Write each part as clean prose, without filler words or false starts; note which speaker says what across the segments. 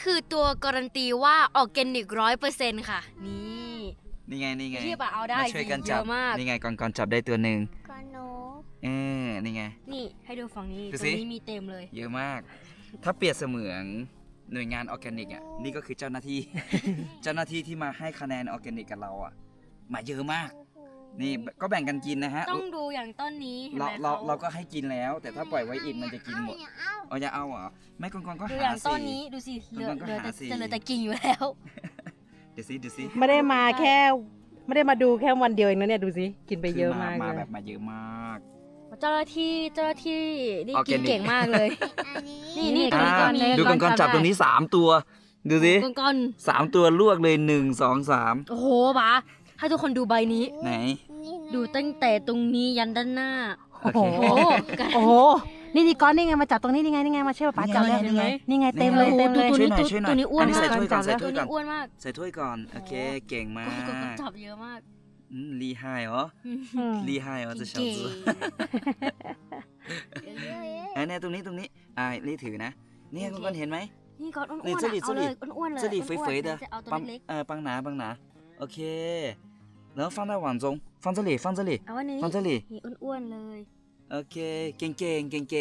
Speaker 1: คือตัวการันตีว่าออร์แกนิก100%ค่ะนี่
Speaker 2: ไง
Speaker 1: ที่ป่ะเอาได้
Speaker 2: มาช่วยกันจับ
Speaker 1: เยอะมาก
Speaker 2: นี่ไงก่อนจับได้ตัวหนึ่ง
Speaker 3: ก่อนหนู
Speaker 2: นี่ไง
Speaker 1: นี่ให้ดูฝั่งนี้
Speaker 2: ดู
Speaker 1: ตร
Speaker 2: สิ
Speaker 1: งนี้มีเต็มเลย
Speaker 2: เยอะมาก ถ้าเปรียบเสมือนหน่วยงานออร์แกนิกอ่ะนี่ก็คือเจ้าหน้าที่ เจ้าหน้าที่ที่มาให้คะแนนออร์แกนิกกับเราอ่ะมาเยอะมาก นี่ก็แบ่งกันกินนะฮะ
Speaker 1: ต้องดูอย่างต้นนี้เห็นไหม
Speaker 2: เราก็ให้กินแล้ว แต่ถ้าปล่อยไว้อีกมันจะกินหมดอย่าเอาเหรอไม่ก่อนก็
Speaker 1: ดู
Speaker 2: หา
Speaker 1: อย่างต้น
Speaker 2: สิ
Speaker 1: นี้ดูสิเหลือ
Speaker 2: มันก็หาสิ
Speaker 1: จะเหลือแต่กิ่งอยู่แล้ว
Speaker 2: เดี๋ยวสิ
Speaker 4: ไม่ได้มาดูแค่วันเดียวเองนะเนี่ยดูสิกินไปเยอะมาก
Speaker 2: มา
Speaker 4: เล
Speaker 2: แบ
Speaker 4: ย
Speaker 2: บมาเยอะมาก
Speaker 1: เจ้าหน้าที่นี่
Speaker 2: ออร์แก
Speaker 1: กิน
Speaker 2: นิก
Speaker 1: เก่งมากเลย
Speaker 3: อันนี้
Speaker 1: นี่ตรงนี้ก็มี
Speaker 2: ดูก่อนจับตรงนี้3ตัวดูสิ
Speaker 1: ก่อน
Speaker 2: 3ตัวลวกเลย1 2 3
Speaker 1: โอ้โหป๋าให้ทุกคนดูใบนี้
Speaker 2: ไหน
Speaker 1: ดูตั้งแต่ตรงนี้ยันด้านหน้า
Speaker 2: โอเค
Speaker 1: โอ้โห
Speaker 4: โอ้โหนี่ก้อนนี่ไงมาจับตรงนี้นี่ไงมาช่วยป้าจับเลย
Speaker 2: นี่ไง
Speaker 4: นี่ไงเต็มเลย
Speaker 1: โอ้โห
Speaker 4: เต็มเลย
Speaker 1: ตัวนี้
Speaker 2: ช่วยหน่อย
Speaker 1: ตัวนี้อ้วน
Speaker 2: อันนี้ใส่
Speaker 1: มาก
Speaker 2: ถ้วยก่อน
Speaker 4: จับ
Speaker 2: ใส่
Speaker 1: ตัว
Speaker 2: ถ้วยก่
Speaker 1: นี้
Speaker 2: อน
Speaker 1: อ้วนมาก
Speaker 2: ใส่ถ้วยก่อนโอเคเก่งมาก
Speaker 1: ก็จับเยอะมาก
Speaker 2: ลีไฮเหรอลีไฮเหรอจะชอบ
Speaker 1: เก่ง
Speaker 2: เนี่ยตรงนี้รีถือนะเนี่ยคุณเห็นไหม
Speaker 1: นี่ก้อนอ้วน
Speaker 2: นี่
Speaker 1: ๆ
Speaker 2: 这里
Speaker 1: เอาเลยอ้วนๆเลย
Speaker 2: 这里肥肥的
Speaker 1: จะเอาตัว
Speaker 2: 帮
Speaker 1: เล็ก
Speaker 2: 帮拿OK然后放在碗中放这里
Speaker 1: ๆเอาไว้ในนี้
Speaker 2: 放这里
Speaker 1: นี่อ้วนๆเลย
Speaker 2: โอเคเก่งเก่งกัน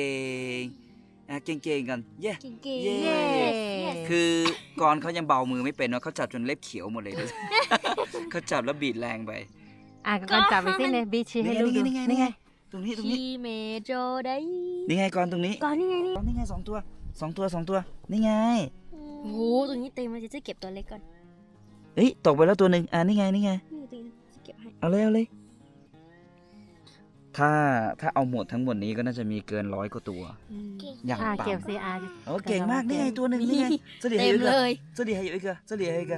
Speaker 2: เย้
Speaker 1: เก่ง
Speaker 2: เย้
Speaker 1: ๆ
Speaker 2: คือก่อนเขายังเบามือไม่เป็นเนาะเขาจับจนเล็บเขียวหมดเลยดูสิ เขาจับแล้วบีดแรงไป
Speaker 4: ก่อนจับไปสิเนี่ยบีชีให้ลูกดู
Speaker 2: นี่ไงตรงนี้
Speaker 1: ชีเมโจได้
Speaker 2: นี่ไงก่อนตรงนี้
Speaker 1: ก่อนนี่ไงนี่
Speaker 2: นี่ไง2 ตัวนี่ไง
Speaker 1: โอ้โหตัวนี้เต็มเลยจะเก็บตัวเล็กก่อน
Speaker 2: เอ้ยตกไปแล้วตัวหนึ่งนี่ไง
Speaker 1: นี่ตัวนี้จะเก็บให้
Speaker 2: เอาเลยถ้าเอาหมดทั้งหมดนี้ก็น่าจะมีเกิน100 กว่าตัว อย่าง
Speaker 4: เก็บ
Speaker 2: ต่ำ
Speaker 4: ซีอา
Speaker 2: โอ้เก่งมากนี่ไงตัวหนึ่งนี่ไง这里还
Speaker 1: เต็
Speaker 2: 有
Speaker 1: ม
Speaker 2: 一
Speaker 1: เล
Speaker 2: 个
Speaker 1: ย
Speaker 2: 这里还有一个
Speaker 1: ข้าง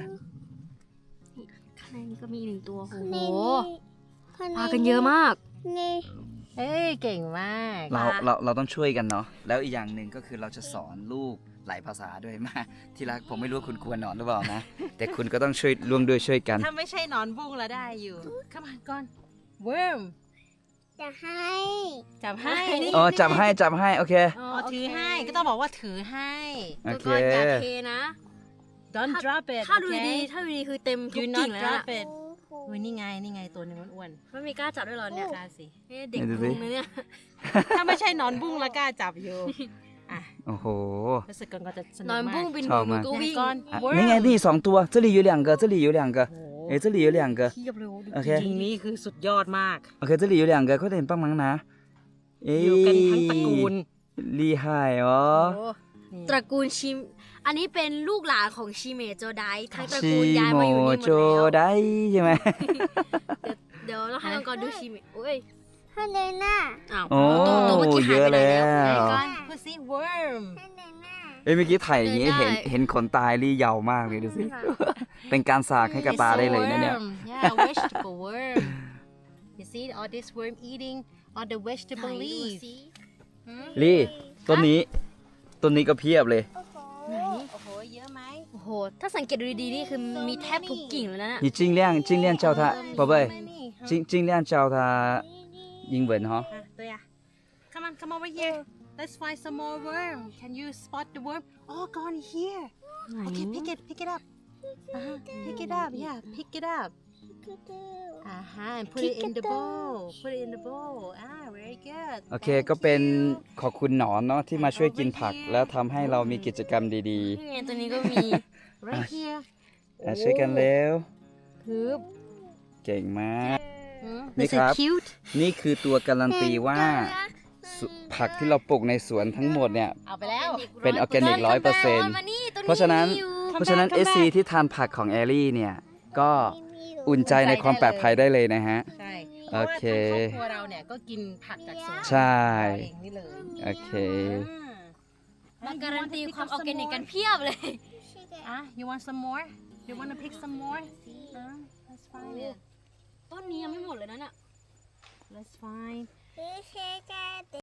Speaker 1: ในนี้ก็มีอีก1 ตัวโอ้โห
Speaker 3: นี่
Speaker 1: พากันเยอะมาก
Speaker 3: นี่
Speaker 4: เอ้ยเก่งมาก
Speaker 2: เราต้องช่วยกันเนาะแล้วอีกอย่างหนึ่งก็คือเราจะสอนลูกหลายภาษาด้วยมาที่รักผมไม่รู้ว่าคุณกลัวหนอนหรือเปล่านะ แต่คุณก็ต้องช่วยร่วมด้วยช่วยกัน
Speaker 4: ถ้าไม่ใช่นอนบุ้งแล้วได้อยู่ Come on ก่อน worm
Speaker 3: จะให้
Speaker 4: จับให้
Speaker 2: อ๋อจับให้โอเค
Speaker 4: อ๋อถือให้ก็ต้องบอกว่าถือให้
Speaker 2: โอเค
Speaker 1: ก็อย่าเทนะ
Speaker 4: Don't drop it
Speaker 1: ถ้าดู
Speaker 4: okay?
Speaker 1: ดีคือเต็มทุ
Speaker 4: Do
Speaker 1: ก
Speaker 4: not
Speaker 1: กิ่งแล้ว
Speaker 4: drop it อุ้ยนี่ไงตัวหนึงอ้วน
Speaker 1: ไม่มีกล้าจับด้วยเหรอเนี่ย
Speaker 4: ๆกล้าสิ
Speaker 1: เด็กพุงนะเนี่ย
Speaker 4: ถ้าไม่ใช่นอนบุ้งแล้วกล้าจับอยู่อ่ะ
Speaker 2: โอ้โห
Speaker 4: รู้สึกก่อนก็จะสนุก
Speaker 1: นอน
Speaker 4: มา
Speaker 1: บุ้
Speaker 4: ก
Speaker 1: งบิน
Speaker 2: ชอบ
Speaker 1: หนู
Speaker 2: มาก
Speaker 1: ก็วิ่ง
Speaker 4: ก่อน
Speaker 2: อ่ะ
Speaker 4: worm
Speaker 2: นี่ไงนี่2 ตัว这里有2个这里有2个
Speaker 4: โอ้โห
Speaker 2: 这里有2个
Speaker 1: เทียบเลยดู
Speaker 2: โอเค
Speaker 4: จริงๆนี่คือสุดยอดมาก
Speaker 2: OK这里有2个快点帮忙拿
Speaker 4: อยู่กันทั้งตระกูล
Speaker 2: 厉害哦
Speaker 1: โอ้ตระกูลชิม อันนี้เป็นลูกหลานของชิเมโจไดทั้งตระ
Speaker 2: ชิ
Speaker 1: กูลย้าย
Speaker 2: โม
Speaker 1: มาอยู่นี่หม
Speaker 2: โจ
Speaker 1: ดแล้ว
Speaker 2: ได้ใช่ไหม
Speaker 1: เดี๋ยวเราให้มังกรดูชิเมโอ้ย
Speaker 3: ให้เดินหน้า
Speaker 1: อ้าว
Speaker 2: โอ้
Speaker 1: ตัวเมื่อกี้หายไปไหนแล้ว
Speaker 2: เยอะแล้ว
Speaker 1: ไหนก่อน
Speaker 4: พูดสิ worm
Speaker 3: ให้เดินหน้า
Speaker 2: เอ้ยเมื่อกี้ถ่ายอย่างนี้
Speaker 1: ได้
Speaker 2: เห็นขนตายรี่ยาวมากเลยดูสิ เป็นการสากให้กับตาได้เลยนะเนี่ย
Speaker 4: worm yeah vegetable worm you see all this worm eating all the
Speaker 1: ไหน
Speaker 4: vegetable
Speaker 1: ดู
Speaker 4: leaves
Speaker 1: สิ
Speaker 2: ลี่ต้นนี้ก็เพียบเลย
Speaker 3: โอ้โห
Speaker 1: ไหน
Speaker 4: โอ้โหเยอะไหม
Speaker 1: โอ้โห ถ้าสังเกตดูดีๆนี่คือมีแทบทุกกิ่งเลยนะ
Speaker 2: 你尽量叫他宝贝尽量叫他英文哈
Speaker 4: อ่ะตัว呀 come over here let's find some more worm can you spot the worm oh gone here
Speaker 1: ไหน
Speaker 4: okay pick it up pick it up yeah pick it up and put it in the bowl very good
Speaker 2: โอเคก็เป็นขอบคุณหนอนเนาะที่มาช่วยกินผักแล้วทำให้เรามีกิจกรรมดี
Speaker 1: นี่ไงตัวนี้ก็มี
Speaker 4: right here
Speaker 2: ๆช่วยกันเร็ว
Speaker 1: คือ
Speaker 2: เก่งมาก
Speaker 1: นี่
Speaker 2: นี่
Speaker 1: คื
Speaker 2: ค
Speaker 1: อ
Speaker 2: รับ
Speaker 1: คิวต์
Speaker 2: นี่คือตัวการันตีว่าผักที่เราปลูกในสวนทั้งหมดเนี่ย
Speaker 4: เอาไปแล้ว
Speaker 2: เป็นออร์แกนิก100% เพราะฉะนั้น SC ที่ทานผักของแอรี่เนี่ยก็อุ่นใจในความปลอดภัยได้เลยนะฮะ
Speaker 4: ใช่
Speaker 2: โอเค
Speaker 4: พราะว่าทางครอบครัวเราเนี่ยก็กินผักจากสวน
Speaker 2: ใช่
Speaker 4: เองนี่เลย
Speaker 2: โอเค
Speaker 1: มาการันตีความออร์แกนิกกันเพียบเลย
Speaker 4: you want some more you want to pick some more let's find it
Speaker 1: ต้นนี้ยังไม่หมดเลยนะน่ะ
Speaker 4: let's find
Speaker 3: พี่เช